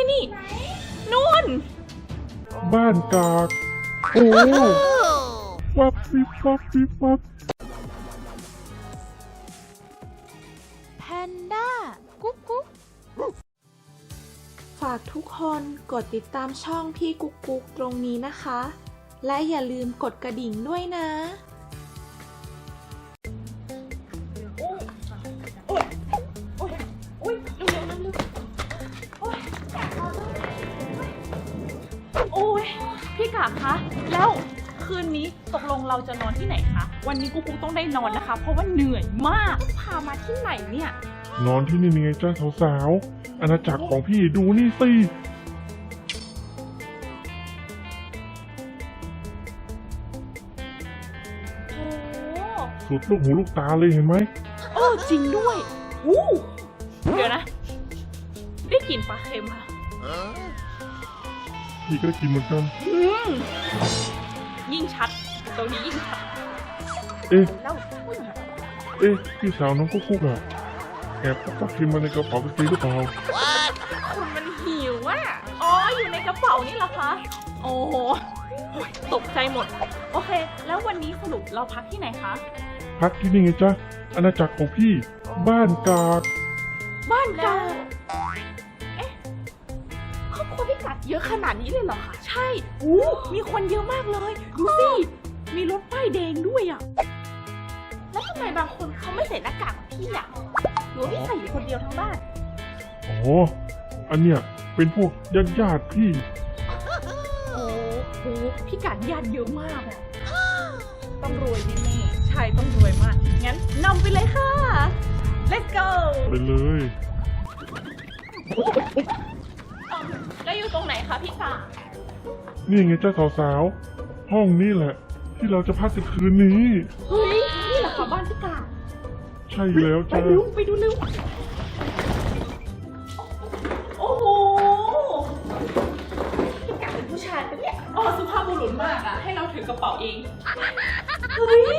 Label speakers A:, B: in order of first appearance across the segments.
A: นี่นู่น
B: บ้านกากโอ้วับวิบวับวิบวับ
A: แพนด้ากุ๊กกุ๊กฝากทุกคนกดติดตามช่องพี่กุ๊กกุ๊กตรงนี้นะคะ และอย่าลืมกดกระดิ่งด้วยนะโอ้ยพี่กาคะแล้วคืนนี้ตกลงเราจะนอนที่ไหนคะวันนี้กุ๊กต้องได้นอนนะคะเพราะว่าเหนื่อยมากพามาที่ไหนเนี่ย
B: นอนที่นี่ไงจ้าสาวๆอาณาจักรของพี่ดูนี่สิสุดลูกหูลูกตาเลยเห็นไหม
A: จริงด้วยเดี๋ยวนะได้กลิ่นปลาเค็มค่ะ
B: พี่ก็ได้กินเหมือนกัน
A: ยิ่งชัดตรงนี้ยิ่งชัดแล้ว
B: พี่สาวน้องกุ๊กอะแอบปักเค็มมาในกระเป๋ากางเกงหรือเปล่า
A: คุณมันหิวอ่ะอยู่ในกระเป๋านี่เหรอคะโอ้โหตกใจหมดโอเคแล้ววันนี้สรุปเราพักที่ไหนคะ
B: พักที่นี่ไงจ๊ะอาณาจักรของพี่บ้านกาด
A: ครอบครัวพี่กาดเยอะขนาดนี้เลยเหรอคะใช่มีคนเยอะมากเลยดูสิมีรถป้ายแดงด้วยอ่ะแล้วทำไมบางคนเขาไม่ใส่หน้ากากพี่อ่ะหรือพี่ใส่อยู่คนเดียวทั้งบ้าน
B: อันเนี้ยเป็นพวกญาติพี่
A: พี่กาดญาติเยอะมากอ่ะต้องรวยแน่ๆใช่ต้องรวยมากงั้นนำไปเลยค่ะ let's go
B: ไปเลย
A: แล้วอยู่ตรงไหนคะพี่กาด
B: นี่ไงจ้าสาวๆห้องนี้แหละที่เราจะพักกันคืนนี้
A: เฮ้ยนี่แหละค่ะบ้านพี่กาด
B: ใช่แล้วจ้า
A: ไปดูเร็วโอ้โหพี่กาดเป็นผู้ชายเป็นเนี่ยสุภาพบุรุษมากอ่ะให้เราถือกระเป๋าเองเฮ้ย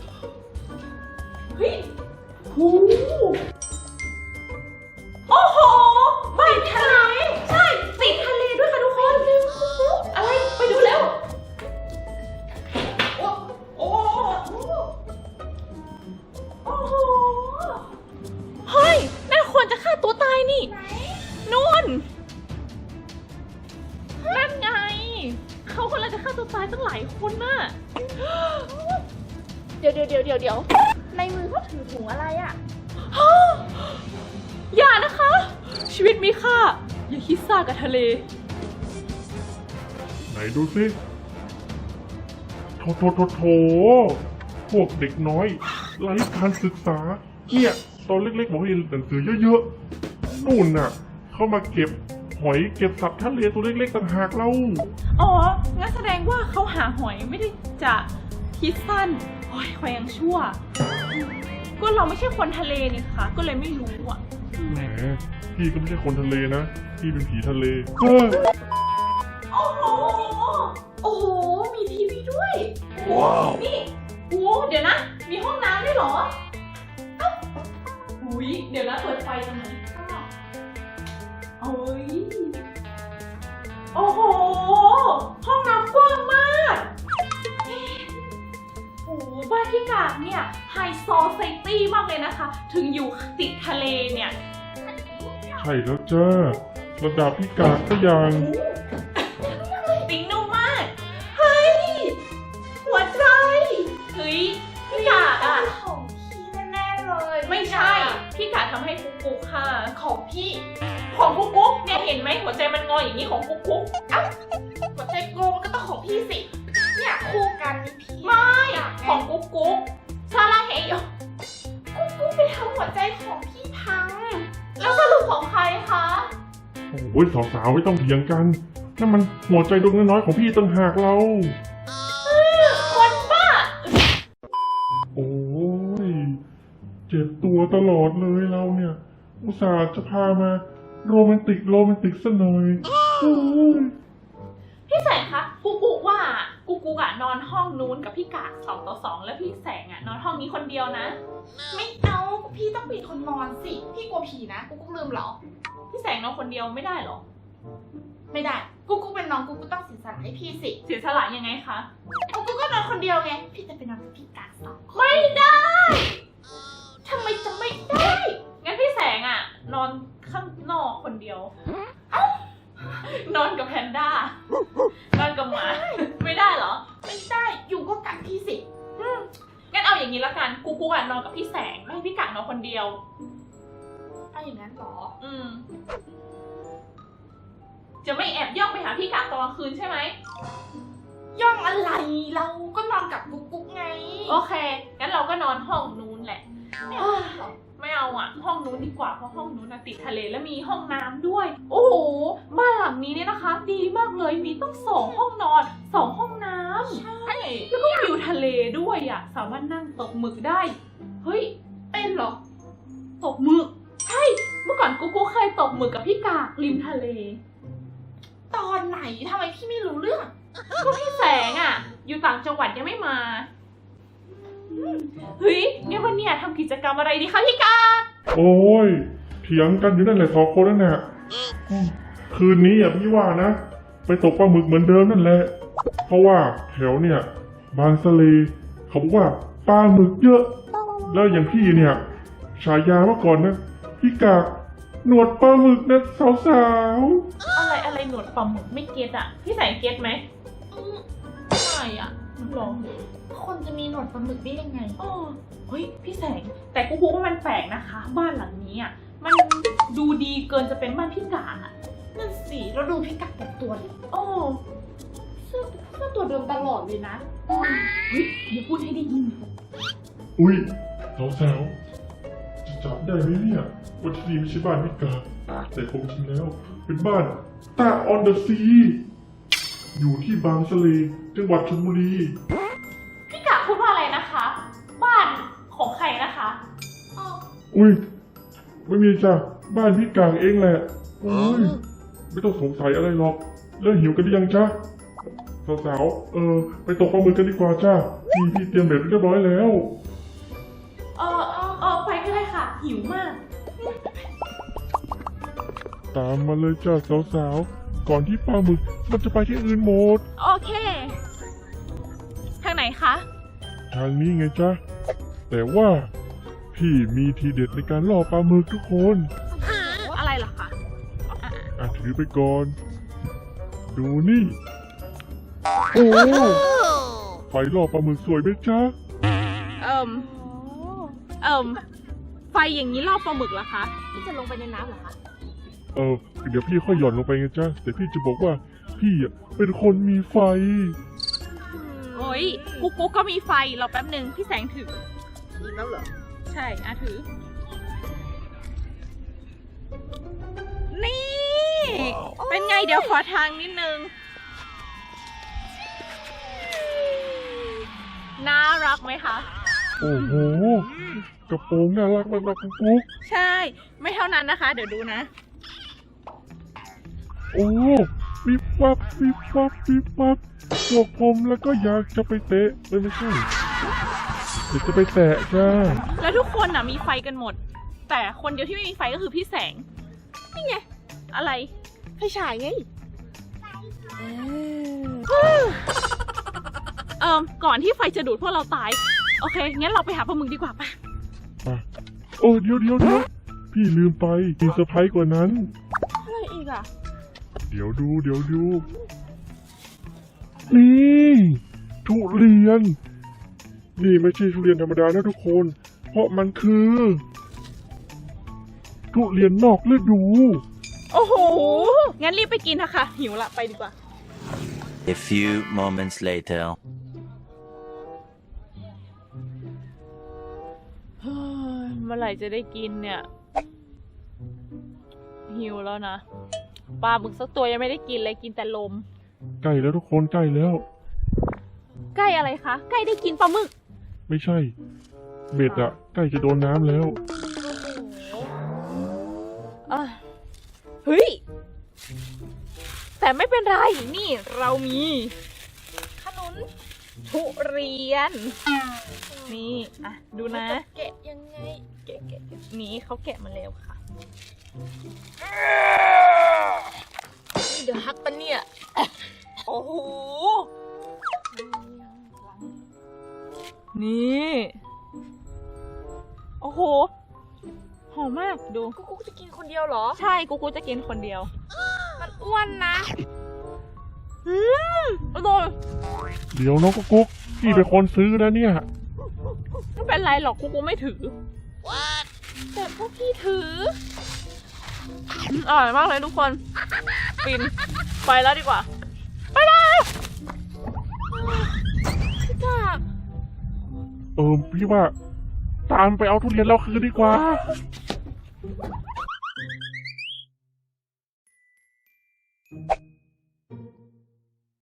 A: โอ้โหบ้านทะเลใช่ติดทะเลด้วยค่ะทุกคนอะไรไปดูเร็วโอ้โหเฮ้ยนั่นควรจะฆ่าตัวตายนี่นู่นนั่นไงเขาคนละจะฆ่าตัวตายตั้งหลายคนน่ะเดี๋ยวในมือเขาถือถุงอะไรอ่ะอย่านะคะชีวิตมีค่าอย่าคิดซ่ากับทะเล
B: ไหนดูสิโถพวกเด็กน้อยไร้การศึกษาเนี่ยตอนเล็กๆบอกให้เรียนหนังสือเยอะๆนู่นน่ะเข้ามาเก็บหอยเก็บสัตว์ทะเลตัวเล็กๆต่างหากเรา
A: งั้นแสดงว่าเขาหาหอยไม่ได้จะคิดสั้นหอยยังชั่วก็เราไม่ใช่คนทะเลนี่ค่ะก็เลยไม่รู้อ่ะ
B: แหมพี่ก็ไม่ใช่คนทะเลนะพี่เป็นผีทะเล
A: โอ้โหมีทีวีด้วยว้าวนี่เดี๋ยวนะมีห้องน้ำด้วยเหรอเดี๋ยวนะเปิดไฟตรงนี้โอ้โหห้องน้ำกว้างมากบ้านพี่กาดเนี่ยไฮโซไซตี้มากเลยนะคะถึงอยู่ติดทะเลเนี่ย
B: ใช่แล้วจ้าระดับพี่กาดก็ยัง
A: ติ๊งนุ่มมากเฮ้ยหัวใจพี่กาดอ่ะ
C: ของพี่แน่ๆเลย
A: ไม่ใช่พี่กาดทำให้กุ๊กค่ะของพี่ของกุ๊กเนี่ยเห็นไหมหัวใจมันงออย่างนี้ของกุ๊ก
C: หัวใจโกงก็ต้องของพี่สิเนี่ยคู่กันพี่
A: ไม่ของกุ๊กซาลาเฮโย
C: กุ๊กไปทำหัวใจของพี่พัง
A: แล้วสรุปของใครคะ
B: โอ้ยสาวๆไม่ต้องเถียงกันนั่นมันหัวใจดวงน้อยๆของพี่ต่างหากเรา
A: คนบ้า
B: โอ้ยเจ็บตัวตลอดเลยเราเนี่ยอุตส่าห์จะพามาโรแมนติกซะหน่อย
A: พี่แสงคะกุ๊กว่ากุ๊กอะนอนห้องนู้นกับพี่กาด2-2แล้วพี่แสงอะนอนห้องนี้คนเดียวนะ
C: ไม่เอาพี่ต้องเป็นคนนอนสิพี่กลัวผีนะกุ๊กลืมเหรอ
A: พี่แสงนอนคนเดียวไม่ได้หรอ
C: ไม่ได้กุ๊กเป็นน้องกุ๊กต้องเสียสละให้พี่สิ
A: เสียสละยังไงคะ
C: กุ๊กก็นอนคนเดียวไงพี่จะไปนอนกับพี่กากสองคน
A: ไม่ได้
C: ทำไมจะไม่ได้
A: งั้นพี่แสงอะนอนข้างนอกคนเดียว นอนกับแพนด้า นอนกับหมา ไม่ได้เหรอ
C: ไม่ได้อยู่ก็กัดพี่สิ
A: งั้นเอาอย่างนี้ละกัน กูอะนอนกับพี่แสง ไม่ให้พี่กักนอนคนเดียว
C: เอาอย่างนั้นเหรอ
A: จะไม่แอบย่องไปหาพี่กักตอนกลางคืนใช่ไหม
C: ย่องอะไรเราก็นอนกับกุ๊กไง
A: โอเค งั้นเราก็นอนห้องนู้นแหละ
C: ไม่เอาหรอ
A: ไม่เอาอะห้องนู้นดีกว่า เพราะห้องนู้นติดทะเลและมีห้องน้ำด้วย โอ้โห บ้านหลังนี้เนี่ยนะคะ ดีมากเลย มีต้อง2 ห้องนอน 2 ห้องน้ำ
C: ใช่
A: แล้วก็วิวทะเลด้วยอะสามารถนั่งตกหมึกได้ เฮ้ย
C: เป็นเหรอ
A: ตกหมึก ใช่ เมื่อก่อนกูเคยตกหมึกกับพี่กากริมทะเล
C: ตอนไหนทำไมพี่ไม่รู้เรื่อง
A: ก็พี่แสงอะอยู่ต่างจังหวัดยังไม่มา เฮ้ยงั้นวันเนี้ยทำกิจกรรมอะไรดีคะพี่กาก
B: โอ้ยเถียงกันอยู่นั่นแหละ2 คนนั่นแหละคืนนี้พี่ว่านะ ไปตกปลาหมึกเหมือนเดิมนั่นแหละ เพราะว่าแถวเนี่ยบางสะเลเขาบอกว่าปลาหมึกเยอะ แล้วอย่างพี่เนี่ยฉายาเมื่อก่อนนะพี่กากหนวดปลาหมึกนะสาว
A: อะไรหนวดปลาหมึกไม่เก็ตอะพี่แสงเก็ตไหม
C: ไม่อะ
A: หรอ
C: คนจะมีหนวดปลาหมึกได้ยังไง
A: อ๋อเฮ้ยพี่แสง แต่กูพูดว่ามันแปลกนะคะ บ้านหลังนี้อะมันดูดีเกินจะเป็นบ้านพี่กากอะ
C: นั่นสิเราดูพี่กัดแต่ตัวดิ
A: โอ้
C: เสื้อตัวเดิมตลอดเลยนะ
A: เฮ้ยอย่าพูดให้ได้ยิน
B: ๆอุ้ยสาวๆจะจับได้ไหมเนี่ยว่าที่นี่ไม่ใช่บ้านพี่กากแต่ความจริงแล้วเป็นบ้านตาออนเดอะซีอยู่ที่บางสะเลจังหวัดชลบุรี
A: พี่กากพูดว่าอะไรนะคะ บ้านของใครนะคะ
B: อุ้ยไม่มีจ้ะบ้านพี่กางเองแหละโอ้ยไม่ต้องสงสัยอะไรหรอกแล้วหิวกันหรือยังจ๊ะสาวๆไปตกปลาหมึกกันดีกว่าจ้าพี่เตรียมเบ็ดไว้เรียบร้อยแล้ว
A: ไปก็ได้ค่ะ หิวมาก
B: ตามมาเลยจ้าสาวๆก่อนที่ปลาหมึกมันจะไปที่อื่นหมด
A: โอเค ทางไหนคะ
B: ทางนี้ไงจ๊ะแต่ว่าพี่มีทีเด็ดในการล่อปลาหมึกทุกคน
A: อะไรเหรอคะ
B: ถือไปก่อน ดูนี่ โอ้ไฟล่อปลาหมึกสวยไหมจ๊ะ
A: ไฟอย่างนี้ล่อปลาหมึกเหรอคะพี่จะลงไปในน้ำเหรอคะ
B: เดี๋ยวพี่ค่อยหย่อนลงไปไงจ๊ะแต่พี่จะบอกว่าพี่เป็นคนมีไฟ
A: โอ้ยกุ๊กก็มีไฟรอแป๊บหนึ่งพี่แสงถือ
C: อีกแล้วเหรอ
A: ใช่ถือ นี่ เป็นไงเดี๋ยวขอทางนิดนึง น่ารักไหมคะ
B: โอ้โห กระโปรงน่ารักมากๆกุ๊ก
A: ใช่ ไม่เท่านั้นนะคะ เดี๋ยวดูนะ
B: โอ้วิบวับวิบวับวิบวับพวกผมแล้วก็อยากจะไปเตะไม่ใช่เดี๋ยวจะไปแตะจ้า
A: แล้วทุกคนน่ะมีไฟกันหมด แต่คนเดียวที่ไม่มีไฟก็คือพี่แสง นี่ไง อะไร
C: ไฟฉายไง
A: ก่อนที่ไฟจะดูดพวกเราตาย โอเค งั้นเราไปหาปลาหมึกดีกว่าป่ะ
B: โอ้เดี๋ยวพี่ลืมไปมีเซอร์ไพรส์กว่านั้น
A: อะไรอีกอ่ะ
B: เดี๋ยวดู นี่ทุเรียน นี่ไม่ใช่ทุเรียนธรรมดานะทุกคน เพราะมันคือ ทุเรียนนอกฤดู
A: โอ้โห งั้นรีบไปกินนะคะ หิวละ ไปดีกว่า
D: A few moments later.
A: เฮ้ยเมื่อไหร่จะได้กินเนี่ย หิวแล้วนะ ปลาหมึกสักตัวยังไม่ได้กินเลยกินแต่ลม
B: ใกล้แล้วทุกคนใกล้แล้ว
A: ใกล้อะไรคะ ใกล้ได้กินปลาหมึก
B: ไม่ใช่ เบ็ดอะใกล้จะโดนน้ำแล้ว
A: เฮ้ย แต่ไม่เป็นไร นี่เรามีขนุนทุเรียน นี่ ดูนะ
C: แกะยังไง
A: แกะนี่เขาแกะมาแล้วค่ะหอมมากดู
C: กุ๊กจะกินคนเดียวเหรอ
A: ใช่กูจะกินคนเดียว
C: มันอ้วนนะ
A: อร่อย
B: เดี๋ยวน้องกุ๊กพี่เป็นคนซื้อนะเนี่ย
A: ไม่เป็นไรหรอกกูไม่ถือ
C: แต่พวกพี่ถือ
A: อร่อยมากเลยทุกคนฟินไปแล้วดีกว่า ไปเลย
C: พี่กาก
B: พี่ว่า ตามไปเอาทุเรียนเราคืนดีกว่า